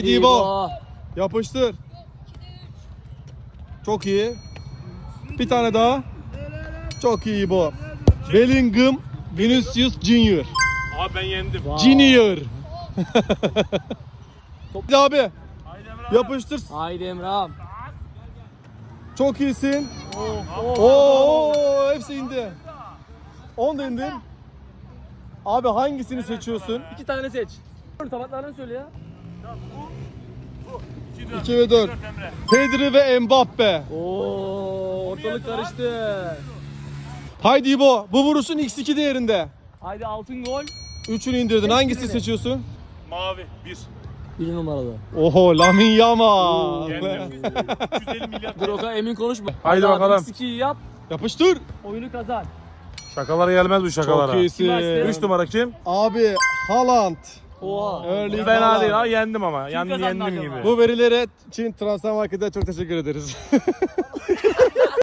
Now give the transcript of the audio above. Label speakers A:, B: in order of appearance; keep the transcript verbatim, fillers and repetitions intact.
A: İbo. Yapıştır. Çok iyi. Bir tane daha. Çok iyi İbo. Bellingham Vinicius Junior.
B: Abi ben yendim.
A: Junior. Hadi abi. Yapıştır.
C: Haydi Emrah'ım.
A: Çok iyisin.
C: Oh,
A: Oo, hepsi indi. on da indir. Abi hangisini seçiyorsun?
C: İki tane seç. Tabaklarını söyle ya.
A: iki ve dört. Pedri ve Mbappe.
C: Oo, ortalık karıştı.
A: Haydi İbo. Bu vuruşun iks iki değerinde.
C: Haydi altın gol.
A: Üçünü indirdin. Hangisini seçiyorsun?
B: Mavi bir.
C: Bir numaralı.
A: Oho, Lamine Yamal.
B: Yendim. yüz elli milyar.
C: Dur o kadar emin konuşma.
B: Haydi
C: abi,
B: bakalım.
C: X ikiyi yap.
A: Yapıştır.
C: Oyunu kazan.
B: Şakalara gelmez bu şakalara.
A: Çok iyisin.
B: üç numara kim?
A: Abi Haaland.
C: Oha.
A: Erling
B: Fena
A: Haaland.
B: değil ha, yendim ama. Yendim,
C: kazandı
B: yendim
C: acaba?
B: gibi.
A: Bu verilere Çin Transfer Market'e çok teşekkür ederiz.